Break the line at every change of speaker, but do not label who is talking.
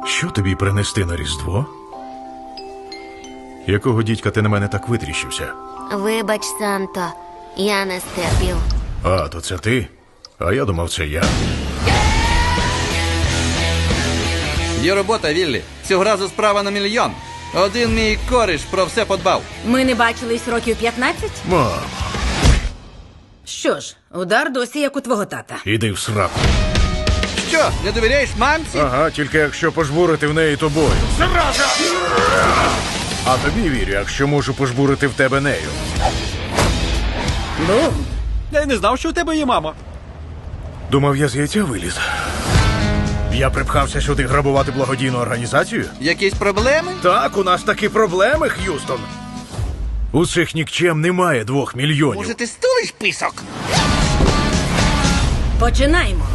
Що тобі принести на Різдво? Якого дідька ти на мене так витріщився?
Вибач, Санто, я не стерпів.
А, то це ти? А я думав, це я.
Є робота, Віллі. Цього разу справа на 1 мільйон. Один мій кореш про все подбав.
Ми не бачились років 15?
Мам,
Що ж, удар досі як у твого тата.
іди в сраку.
Що, не довіряєш мамці?
Ага, тільки якщо пожбурити в неї тобою. Зараза! А тобі вірю, якщо можу пожбурити в тебе нею.
Бум!
Я й не знав, що у тебе є мама.
Думав, я з яйця виліз. Я припхався сюди грабувати благодійну організацію?
Якісь проблеми?
Так, у нас такі проблеми, Х'юстон. У цих нікчем немає 2 мільйонів.
Може, ти стулиш писок?
Починаємо.